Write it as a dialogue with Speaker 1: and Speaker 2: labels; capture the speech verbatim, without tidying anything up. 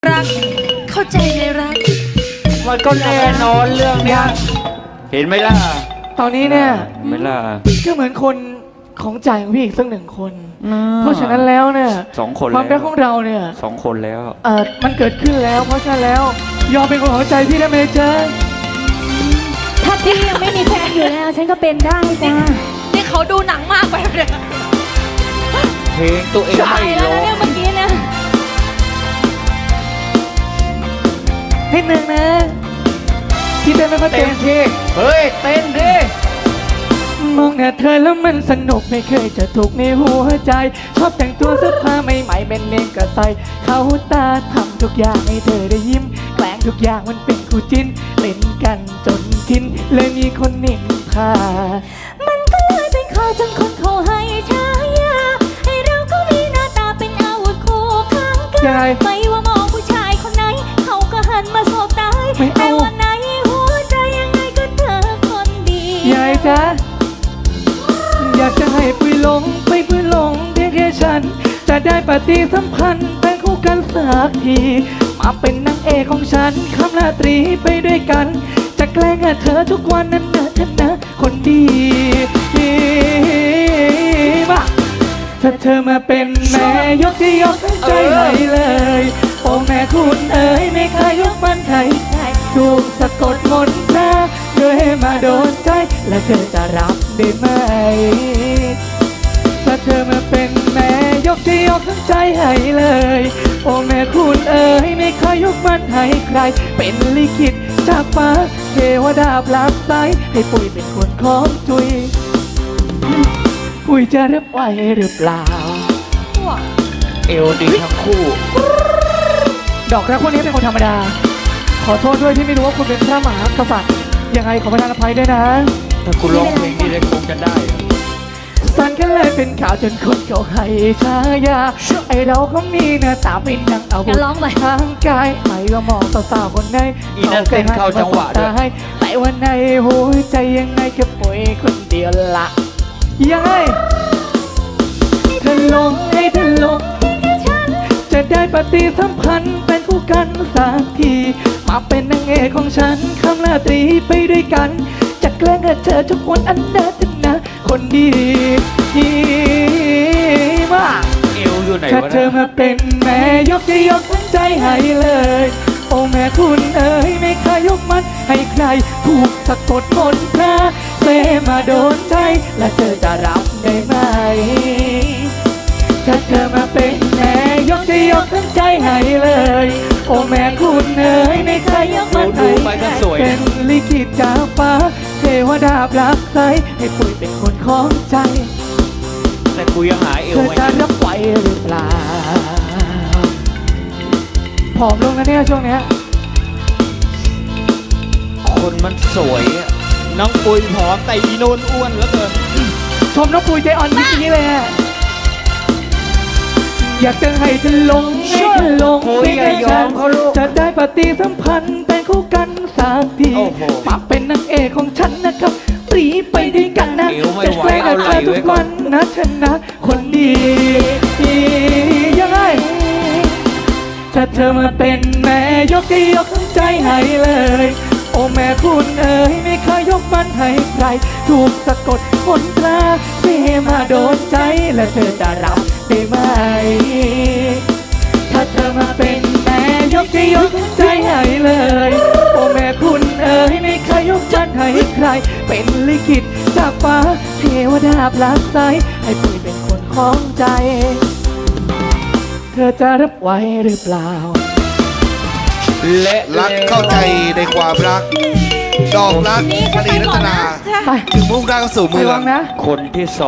Speaker 1: รักเข้าใจในรัก
Speaker 2: มันก็แน่นอนเรื่องเนี้ยเห็นไหมล่ะ
Speaker 3: ตอนนี้เนี่ย
Speaker 2: ไม่ล่ะ
Speaker 3: ก็เหมือนคนของใจของพี่อีกสักหนึ่งคนเพราะฉะนั้นแล้วเนี่ย
Speaker 2: สองคน
Speaker 3: ความรักของเราเนี่ย
Speaker 2: สองคนแล้ว
Speaker 3: เออมันเกิดขึ้นแล้วเพราะฉะนั้นแล้วยอมเป็นคนของใจพี่ได้ไหมจ๊ะ
Speaker 4: ถ้าพี่ยังไม่มีแฟนอยู่แล้วฉันก็เป็นได้จ้า
Speaker 1: นี่เขาดูหนังมากไปเลย
Speaker 2: เพลงตัวเองไม่
Speaker 4: ร้องเนี่ยเมื่อกี้เนี่ย
Speaker 3: นิดนึงนะพี่เต้นไม่ค่อยเต็มที่
Speaker 2: เฮ้ยเต้นดิ
Speaker 3: มองหน้าเธอแล้วมันสนุกไม่เคยจะถูกในหัวใจชอบแต่งตัวเสื้อผ้าใหม่ๆเป็นเน่งก็ใส่เข้าตาทำทุกอย่างให้เธอได้ยิ้มแกล้งทุกอย่างมันเป็นคู่จิ้นเล่นกันจนทินเลยมีคนนินทา
Speaker 4: มันก็เลยเป็นข้อจนคนเขาให้ฉายาให้เราก็มีหน้าตาเป็นอาวุธคู่ข้างกายไม่ว่ามองผู้ชายคนไหนเขาก็หันมาสบตาแต่วันไหนหัวใจยังไงก็เธอคนดี
Speaker 3: ยายจ๊ะอยากจะให้ปุยหลงไปปุยหลงเพียงแค่ฉันจะได้ปฏิสัมพันธ์เป็นคู่กันสักทีมาเป็นนางเอกของฉันคำราตรีไปด้วยกันจะแกล้งเธอทุกวันนั้นนะฉันนะคนดีมาถ้าเธอมาเป็นแม่ยกที่ยกใจให้เลยโอ้แม่คุณเอ๋ยไม่เคยยกมันใครถูกสะกดมนต์นะเธอให้มาโดนใจและเธอจะรับได้ไหมถ้าเธอมาเป็นแม่ยกที่ยกใจให้เลยโอ้แม่คุณเอ๋ยไม่เคยยกมันให้ใครเป็นลิขิตจากฟ้าเทวดาปลับใจให้ปุ้ยเป็นคนของจุยปุ้ยจะรับไหวหรือเปล่า
Speaker 2: เอวดีทั้งคู่
Speaker 3: ดอกรักพวกนี้เป็นคนธรรมดาขอโทษด้วยที่ไม่รู้ว่าคุณเป็นพระมหากษัตริย์ยังไงขอประทานอภัยด้วยนะ
Speaker 2: ถ้าคุณร้องเพลงนี้ได้คงจะได้
Speaker 3: สั้นแค่เลยเป็นข่าวจนคนเขาให้ฉายาไอเราก็มีหน้าตาเป็นดังเอาบุญทางกายไม่ว่ามองสาวๆคนไหน
Speaker 2: เขาเคยหันมาสบตาให้
Speaker 3: แต่วันในหัวใจยังไงแค่ป่วยคนเดียวละยังไงเธอลงให้เธอลงจะได้ปฏิสัมพันธ์เป็นคู่กันสักทีมาเป็นนางเอกของฉันคำราตรีไปด้วยกันจะแกล้งเธอทุกวันอันเดินนะคนดีดีมาก
Speaker 2: เอวอยู่ไหนวะ
Speaker 3: ถ้าเธอมาเป็นแม่ยกจะยกใจให้เลยโอ้แม่คุณเอ๋ยไม่เคยยกมันให้ใครถูกสะกดมนต์พระเสมาโดนใจและเธอจะรับได้ไหมถ้าเธอมาเป็นแม่ยกจะยกทั้งใจให้เลยโอ้แม่คุณเอ๋ยไม่เคยยกมันให้เป็นลิขิตจากฟ้าเทวดาปลักใจให้ปุ้ยเป็นคนของใจ
Speaker 2: แต่กูยังหาเอว
Speaker 3: เธอจะรับไหวหรือเปล่าผอมลงนะเนี่ยช่วงเนี้ย
Speaker 2: คนมันสวยอ่ะ
Speaker 5: น้องปุยผอมแต่อีโนนอ้วนเหลือเกิน
Speaker 3: ชมน้องปุยใจอ่อนนิดนี้เลยอะอยากจะให้เธอลงให้เธอลง
Speaker 2: เพียงฉัน
Speaker 3: จะได้ปฏิสัมพันธ์เป็นคู่กันสักทีมาเป็นนางเอกของฉันนะครับปรีไปด้วยกันนะจะแกล้งเธอทุกวันนะฉันนะคนดียังไงถ้าเธอมาเป็นแม่ยกที่ยกทั้งใจให้เลยโอ้แม่คุณเอ๋ยไม่เคยยกมันให้ใครถูกสะกดมนตราเสมาโดนใจและเธอจะรับได้ไหมถ้าเธอมาเป็นแม่ยกที่ยกใจให้เลยโอ้แม่คุณเอ๋ยไม่เคยยกมันให้ใครเป็นลิขิตจากฟ้าเทวดาปลักใจให้ปุ้ยเป็นคนของใจเธอจะรับไหวหรือเปล่า
Speaker 5: และรักเข้าใจในความรักดอกรักมณีรัตนาถึงมุ่งหน้าสู่เมือง
Speaker 2: คนที่สอง